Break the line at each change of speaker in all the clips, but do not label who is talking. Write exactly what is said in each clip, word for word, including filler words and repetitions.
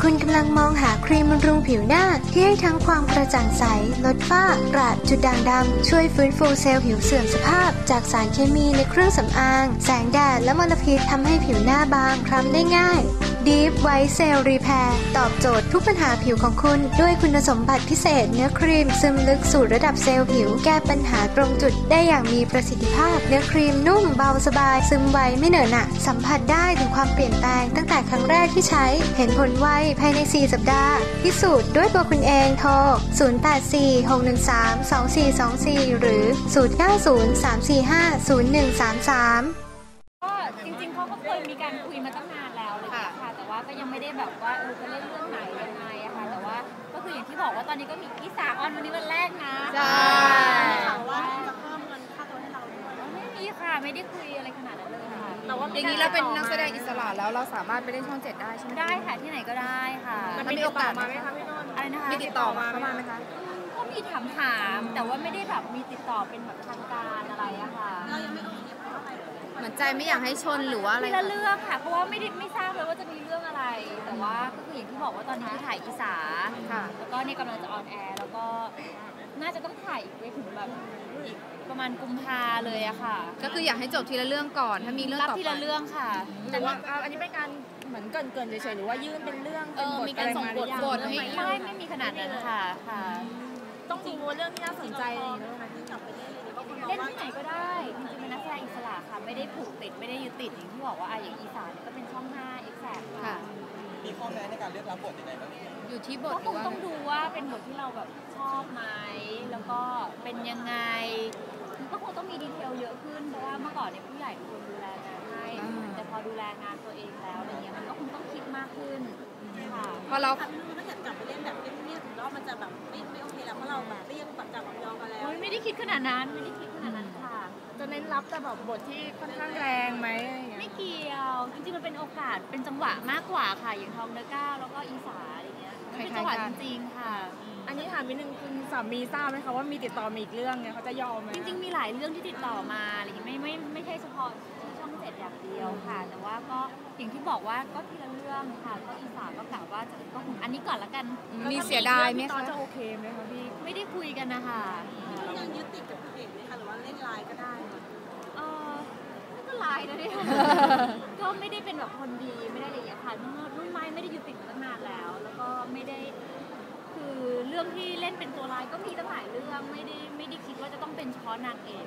คุณกำลังมองหาครีมบำรุงผิวหน้าที่ให้ทั้งความกระจ่างใสลดฝ้ากระจุดด่างดำช่วยฟื้นฟูเซลล์ผิวเสื่อมสภาพจากสารเคมีในเครื่องสำอางแสงแดดและมลพิษทำให้ผิวหน้าบางคล้ำได้ง่าย Deep White Cell Repair ตอบโจทย์ทุกปัญหาผิวของคุณด้วยคุณสมบัติพิเศษเนื้อครีมซึมลึกสู่ระดับเซลล์ผิวแก้ปัญหาตรงจุดได้อย่างมีประสิทธิภาพเนื้อครีมนุ่มเบาสบายซึมไวไม่เหนอะหนะสัมผัสได้ถึงความเปลี่ยนแปลงตั้งแต่ครั้งแรกที่ใช้เห็นผลไวภายในสี่สัปดาห์พิสูจน์ด้วยตัวคุณเองโทรศูนย์ แปด สี่ หก หนึ่ง สาม สอง สี่ สอง สี่หรือศูนย์ เก้า ศูนย์ สาม สี่ ห้า ศูนย์ หนึ่ง สาม สาม
ก็จริงๆเขาก็เคยมีการคุยมาตั้งนานแล้วเลยค่ะแต่ว่าก็ยังไม่ได้แบบว่าเออจะเล่นเรื่องไหนยังไงอะค่ะแต่ว่าก็คืออย่างที่บอกว่าตอนนี้ก็มีอีสาออนวันนี้วันแรกนะ
ใช่
ข่าวว่าจะเพิ่มเงินค่าตัวให้เราด้วยไม่มีค่ะไม่ได้คุยอะไรขนาดนั้นเลยค่ะ
แต่ว่าอย่างนี้เราเป็นนักแสดงอิสระแล้วเราสามารถไปเล่นช่องเจ็ดได้ใช่ไหม
ได้ค่ะที่ไหนก็ได้ค่ะ
มันมีโอกาสมาไหมคะพี่นุ่น
อะไรนะคะ
มีติดต่อมาเข้ามาไหมคะ
ก็มีถามถามแต่ว่าไม่ได้แบบมีติดต่อเป็นแบบทางการอะไรอะค่ะเรายังไม่โอเคเพราะอะไร
เหมือนใจไม่อยากให้ชนหรือว่าอะไร
ทีละเรื่องค่ะเพราะว่าไม่ได้ไม่ทราบเลยว่าจะมีเรื่องอะไรแต่ว่าก็คืออย่างที่บอกว่าตอนนี้คือถ่ายอีสาแล้วก็เนี่ยกำลังจะออนแอร์แล้วก็น่าจะต้องถ่ายอีกไปถึงแบบอีกประมาณกุมภาเลยอะค่ะ
ก็คืออยากให้จบทีละเรื่องก่อนถ้ามีเรื่องต่อไป
ทีละเรื่องค่ะ
แต่ว่าอันนี้เป็นการเหมือนเกินๆเฉยๆหรือว่ายื่นเป็นเรื่องเป็นบทอะไรมาหรือยัง
ไม่ไม่ไม่มีขนาดนั้นค่ะค่ะ
ต้องดูว่าเรื่องที่น่าสนใจ
เล่นที่ไหนก็ได้จริงๆเป็นนักแสดงอิสระค่ะไม่ได้ผูกติดไม่ได้ยึดติดอย่างที่บอกว่าอย่างอีสานก็เป็นช่องห้าเอ็กแซกค่ะ
มีข้อแม้ในการเลือกรับบทยังไงบ้าง
อยู่ที่บท
ก็คงต้องดูว่าเป็นบทที่เราแบบชอบไหมแล้วก็เป็นยังไงก็คงต้องมีดีเทลเยอะขึ้นเพราะว่าเมื่อก่อนเนี่ยผู้ใหญ่เป็นคนดูแลงานให้แต่พอดูแลงานตัวเองแล้วอะไรเงี้ยมันก็คงต้องคิดมากขึ้นค่ะ
พอเรา
ถ้าเกิดกลับไปเล่นแบบเงียบๆแล้วมันจะแบบไม่ไม่โอเคแล้วเพราะเราแบบเรียกแบบจับแบบยอมกันแล้ว
ไม่ได้คิดขนาดนั้นไม่ได้คิดขนาดนั้นค่ะ
จะเน้นรับแต่แบบบทที่ค่อนข้างแรงไหม
ไม่เกี่ยวจริงๆมันเป็นโอกาสเป็นจังหวะมากกว่าค่ะอย่างทองเนื้อก้าวแล้วก็อีสาอะไรเงี้ยเป็นจังหวะจริงๆค่ะ
อันนี้ถามนิดนึงคุณสามีทราบไหมคะว่ามีติดต่อมาอีกเรื่องเนี่ยเขาจะยอมไหม
จริงๆมีหลายเรื่องที่ติดต่อมาอะไรอย่างเงี้ยไม่ไม่ไม่ใช่เฉพาะที่ช่องเจ็ดอย่างเดียวค่ะแต่ว่าก็อย่างที่บอกว่าก็ทีละเรื่องค่ะก็อีสาก็กล่าวว่าจะก็คงอันนี้ก่อนละกัน
มีเสียดายไหมคะจะโอเคไหมคะพี่
ไม่ได้คุยกันนะคะ
ยังยึดติดกับเอกไหมคะหรือว่าเล่นไลน์ก็ได้
เออก็ไลน์นะเนี่ยก็ไม่ได้เป็นแบบคนดีไม่ได้อะไรอย่างเงี้ยค่ะรุ่นไม้ไม่ได้ยึดติดมาตั้งนานแล้วแล้วก็ไม่ได้คือเรื่องที่เล่นเป็นตัวร้ายก็มีตั้งหลายเรื่องไม่ได้ไม่ได้คิดว่าจะต้องเป็นเฉพาะนางเอก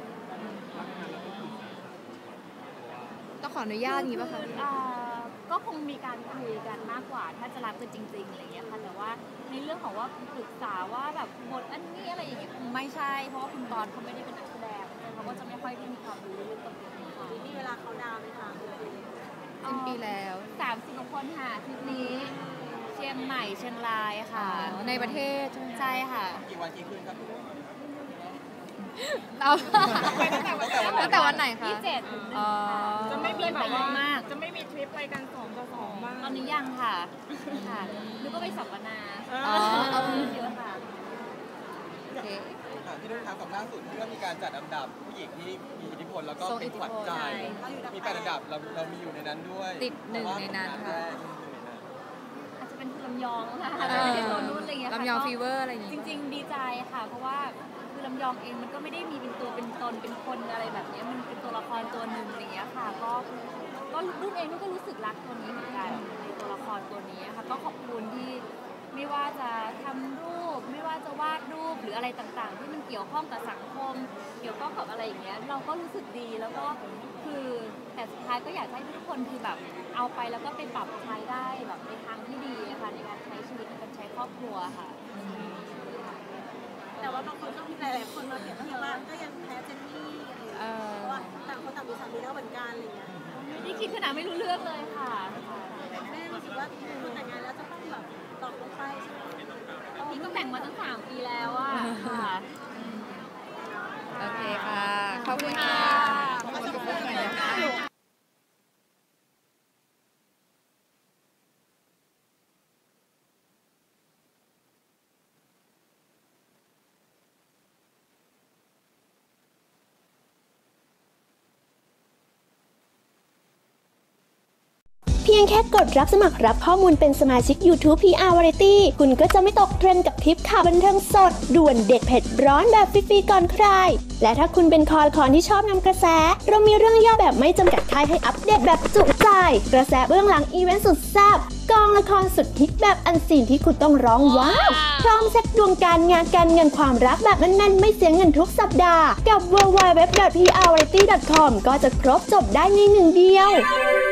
ต้องขออนุญาตงี้ป่ะคะ
ก็คงมีการคุยกันมากกว่าถ้าจะรับกันจริงๆอะไรอย่างเงี้ยค่ะแต่ว่าในเรื่องของว่าปรึกษาว่าแบบบทอันนี้อะไรอย่างเงี้ยคงไม่ใช่เพราะว่าคุณตอนเขาไม่ได้เป็นนักแสดงเขาก็จะไม่ค่อยได้มีความรู้เรื่องตรงนี้ค่ะ
มีเวลาเขาดาวไหมคะ
สิ้นปีแล้ว
สามสิบกว่าคนค่ะทริปนี้เชียงใหม่เชียงรายค่ะ
ในประเทศ
ใช่ค่ะ
กี่วันกี่คืนครับ
เราตั้งแต่วันไหนคะ
ยี่สิบเจ็ด
จะไม่มีแบบ
ว่า
จะไม่มีทริปไปกันสองต่อสองบ้าง
ตอนนี้ยังค่ะค่ะนึกว่าไปสัมมนา
อ๋อ
เอาเยอะค่ะ
โอเคพี่นุ่นครับกับล่าสุดที่เรามีการจัดอันดับผู้หญิงที่มีอิทธิพลแล้วก็เป็นขวัญใจมีแปดอันดับเราเรามีอยู่ในนั้นด้วย
ติดหนึ่งในนั้นค่ะ
อาจจะเป็นคุณลำยองค่ะไม่ได้ตัวนู้นอะไรเงี้ย
ลำยองฟีเวอร์อะไรอย่างเงี้ย
จริงๆดีใจค่ะเพราะว่าคือลำยองเองมันก็ไม่ได้มีเป็นตัวเป็นตนเป็นคนอะไรแบบนี้มันเป็นตัวละครตัวหนึ่งอะไรเงี้ยค่ะก็ก็รุ่นเองก็รู้สึกรักตัวนี้เหมือนกันในตัวละครตัวนี้ค่ะก็ขอบคุณที่ไม่ว่าจะทำรูปไม่ว่าจะวาดรูปหรืออะไรต่างๆที่มันเกี่ยวข้องกับสังคมเกี่ยวข้องกับอะไรอย่างเงี้ยเราก็รู้สึกดีแล้วก็คือแต่สุดท้ายก็อยากให้ทุกคนคือแบบเอาไปแล้วก็ไปปรับใช้ได้แบบในทางที่ดีค่ะในการใช้ชีวิตในการใช้ครอบครัวค่ะ
แต่ว่าบางคนก็มีหลายๆคนมาเปรียบเทียบว่าก็ยังแพ้เจนนี่เพราะว่าต่างคนต่างมีสามีแล้วเหมือนกันอะไรเงี้ย
ไม่ได้คิดขนาดไม่รู้เรื่องเลยค่ะ
แม่รู้สึกว่าคุณแต่งงานแล้วจะต้องแบบตอบลงไปใช่ไหม
นี่ก็แต่งมาตั้งสามปีแล้วอ่ะค่ะ
โอเคค่ะขอบคุณค่ะขอบคุณค่ะ
พียงแค่กดรับสมัครรับข้อมูลเป็นสมาชิก YouTube พี อาร์ Variety คุณก็จะไม่ตกเทรนด์กับคลิปข่าวบันเทิงสดด่วนเด็ดเผ็ดร้อนแบบฟรีๆก่อนใครและถ้าคุณเป็นคอละคอนที่ชอบนำกระแสเรามีเรื่องย่อแบบไม่จำกัดค่ายให้อัปเดตแบบจุใจกระแสเบื้องหลังอีเวนต์สุดแซ่บกองละครสุดฮิตแบบอันซีนที่คุณต้องร้องว้าวพร้อมเช็คดวงการงานการเงินความรักแบบแน่นๆไม่เสียเงินทุกสัปดาห์กับ ดับเบิลยู ดับเบิลยู ดับเบิลยู ดอท พี อาร์ วาไรตี้ ดอท คอม ก็จะครบจบได้ในหนึ่งเดียว